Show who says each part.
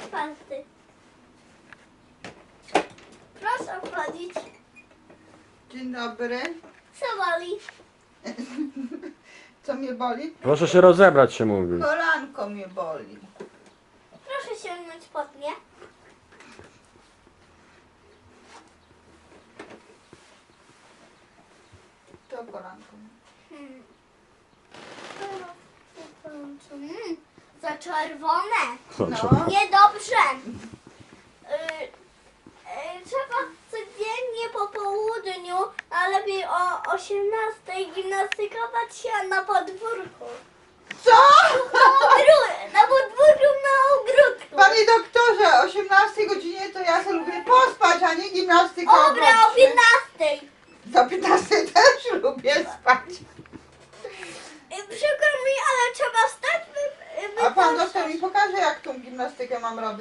Speaker 1: czwarty. Proszę wchodzić.
Speaker 2: Dzień dobry.
Speaker 1: Co boli?
Speaker 2: Co mnie boli?
Speaker 3: Proszę się rozebrać, się mówi.
Speaker 2: Kolanko mnie boli.
Speaker 1: Proszę sięgnąć pod mnie.
Speaker 2: To kolanko.
Speaker 1: Za czerwone.
Speaker 2: No.
Speaker 1: Niedobrze. Trzeba codziennie po południu, a lepiej o 18 gimnastykować się na podwórku.
Speaker 2: Co?
Speaker 1: Na podwórku na ogródku.
Speaker 2: Panie doktorze, o 18 godzinie to ja sobie lubię pospać, a nie gimnastykę.
Speaker 1: Dobra, o 15.
Speaker 2: Do 15 też lubię spać.
Speaker 1: Przykro mi, ale trzeba wstać.
Speaker 2: A pan doktor mi pokaże, jak tą gimnastykę mam robić.